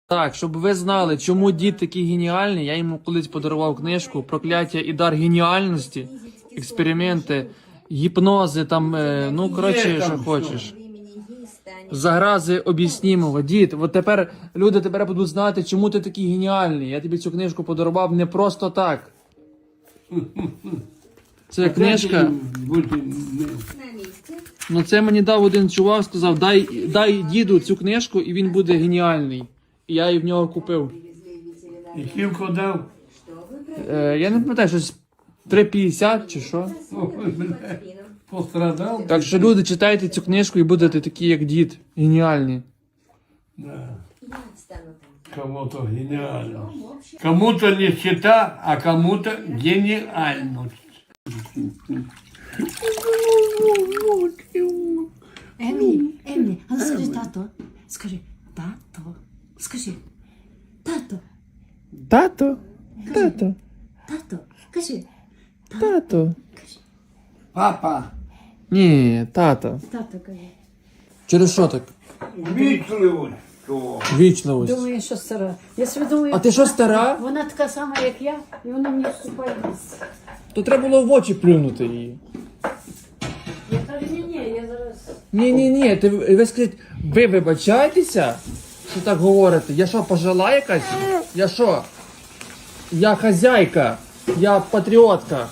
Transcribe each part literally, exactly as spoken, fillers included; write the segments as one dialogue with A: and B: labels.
A: Так, щоб ви знали, чому дід такий геніальний, я йому колись подарував книжку «Прокляття і дар геніальності», експерименти, гіпнози, там, е, ну, коротше, що хочеш. Загрази об'яснімого. Дід, от тепер люди тепер будуть знати, чому ти такий геніальний. Я тобі цю книжку подарував не просто так. Це книжка. Ну це мені дав один чувак, сказав, дай, дай діду цю книжку і він буде геніальний. І я її в нього купив.
B: І кілько дав?
A: Е, я не пам'ятаю, щось три п'ятдесят чи що.
B: Пострадав?
A: Так що люди, читайте цю книжку і будете такі, як дід. Геніальні.
B: Да. Кому-то гениально. Кому-то нищета, а кому-то гениальность.
C: Емі, Емі, а ну скажи тато. Скажи, тато. Скажи, тато,
A: Тато, тато,
C: тато. Кажи,
A: тато.
B: Папа,
A: Ні, тато.
C: тато, кажи.
A: Через що так?
B: вічливо.
A: Вічливость.
C: Думаю, що стара. Я собі думаю,
A: А ти що, стара?
C: вона така сама, як я, і вона мені вступає в місце.
A: То треба було в очі плюнути її.
C: Я кажу, ні, ні, я зараз...
A: Ні-ні-ні, ти ви скажіть, ви вибачаєтеся, що так говорите? Я що, пожила якась? Я що? Я хазяйка, я патріотка.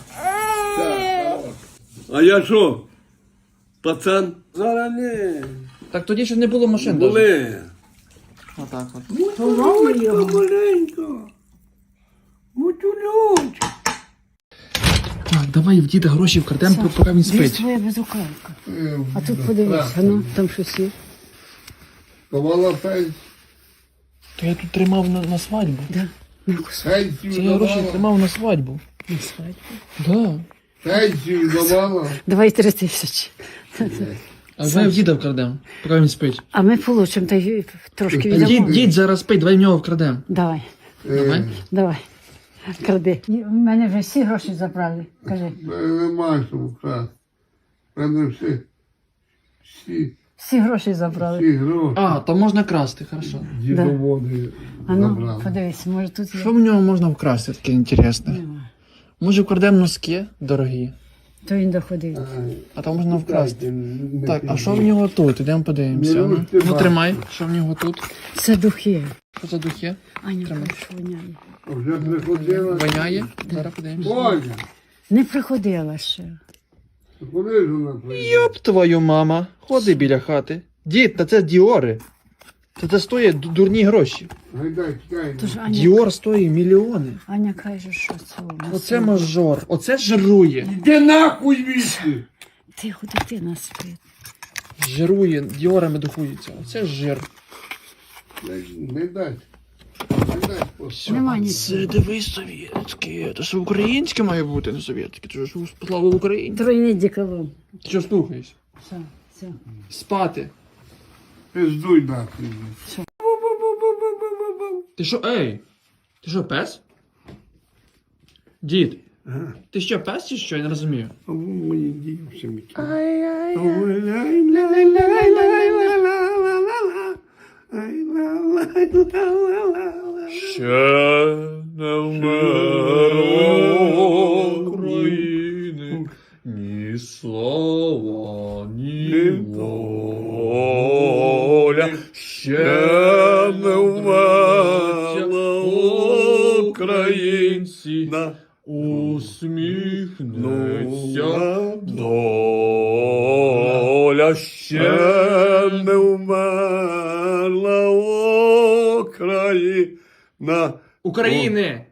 B: А я що? Пацан? Зараз не.
A: Так тоді ще не було машин. даже.
B: Були.
A: Отак от.
B: Маленько, маленько. Мутюльончик.
A: Так, давай в діда гроші вкрадемо, поки він
C: Десь
A: спить.
C: твоя безрукавка. А тут подивись, а ну, там щось є.
D: Давала пенсію.
A: То я тут тримав на, на свадьбу.
C: Да. На кусок.
D: Пенсію
A: Це я гроші
D: давала.
A: тримав на свадьбу.
C: На свадьбу.
A: Да.
D: Пенсію давала.
C: Давай три тисячі.
A: А давай в діда вкрадемо, поки він спить.
C: А ми получимо, та й трошки
A: Дід,
C: віддамо.
A: дід зараз спить, давай в нього вкрадемо.
C: Давай,
A: Давай.
C: давай. Кради. У мене вже всі гроші забрали. Кажи.
D: Нема що вкрасти. Мене всі, всі,
C: Всі гроші забрали.
D: всі гроші
A: А, то можна красти, хорошо.
D: дідоводи
C: А ну,
D: забрали.
C: подивись, може тут є.
A: Що в нього можна вкрасти таке інтересне?
C: Нема.
A: Може вкрадемо носки дорогі,
C: То він доходив.
A: а там можна вкрасти.
D: Не
A: Так, а
D: піду.
A: що в нього тут? Ідемо подивимося.
D: Ну,
A: Ну,
D: ти
A: ну
D: бачиш.
A: тримай, що в нього тут?
C: Це духи.
A: Що за духи?
C: Аня
A: Тримай.
C: каже, що воняє.
D: Вже приходила.
A: Воняє? Зараз подивимося.
D: Боже,
C: Не приходила ще.
D: куди ж вона приїхала?
A: Йоп твою мама, ходи біля хати. Дід, та це діори. Та це стоїть ду- дурні гроші.
D: Гайдай, чекай.
C: Тож Аня,
A: Діор стоїть мільйони.
C: Аня каже, що це у нас.
A: Оце мажор, оце жирує.
D: Де нахуй вісти?
C: Тихо, дитина спить.
A: Жирує, діорами духується. Оце жир.
D: Не дай. Не дай. просто.
C: Нема
A: Це
C: нічого.
A: дивись совєтське. Це ж українське має бути, не совєтське. Це ж слава Україні.
C: Тройний діколон.
A: Ти що слухаєш?
C: Все, все.
A: Спати.
D: Пиздуй нахуй.
A: Ти що, ей? Ти що, пес? Дід, ти що, пес чи що? Я не розумію.
D: А ви мої дівчинки.
A: Ще не вмерло України ні слава, ні воля. Ще не вмерла українці, усміхнеться доля. Ще
B: Не вмерла Україна,
A: України!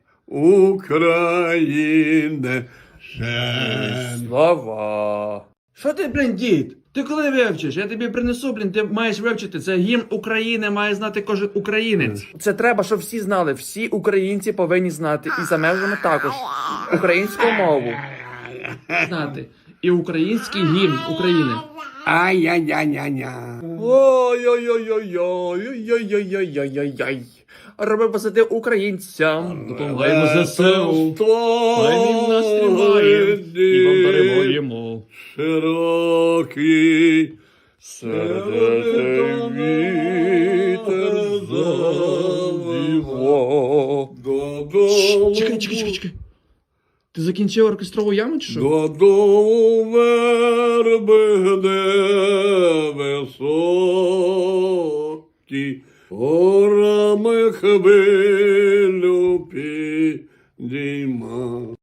B: України, ще
A: Слава! Що ти, блін, дід? Ти коли вивчиш? Я тобі принесу, блін, ти маєш вивчити. Це гімн України, має знати кожен українець. Це треба, щоб всі знали. Всі українці повинні знати. І за межами також. Українську мову. Знати. І український гімн України.
B: ай-яй-яй-яй-яй.
A: Ой-ой-ой-ой-ой-ой-ой-ой-ой-ой. Роби посади українцям. Допомагаємо ЗСУ. Хай він нас тримає. І вам даруємо.
B: Широкий
A: Сердитий вітер за О-о-о-о.
B: Додолу.
A: Чекай, чекай, чекай, чекай. Ти закінчив оркестрову яму чи що?
B: Додолу верби, де високі, горами хвилю підійма.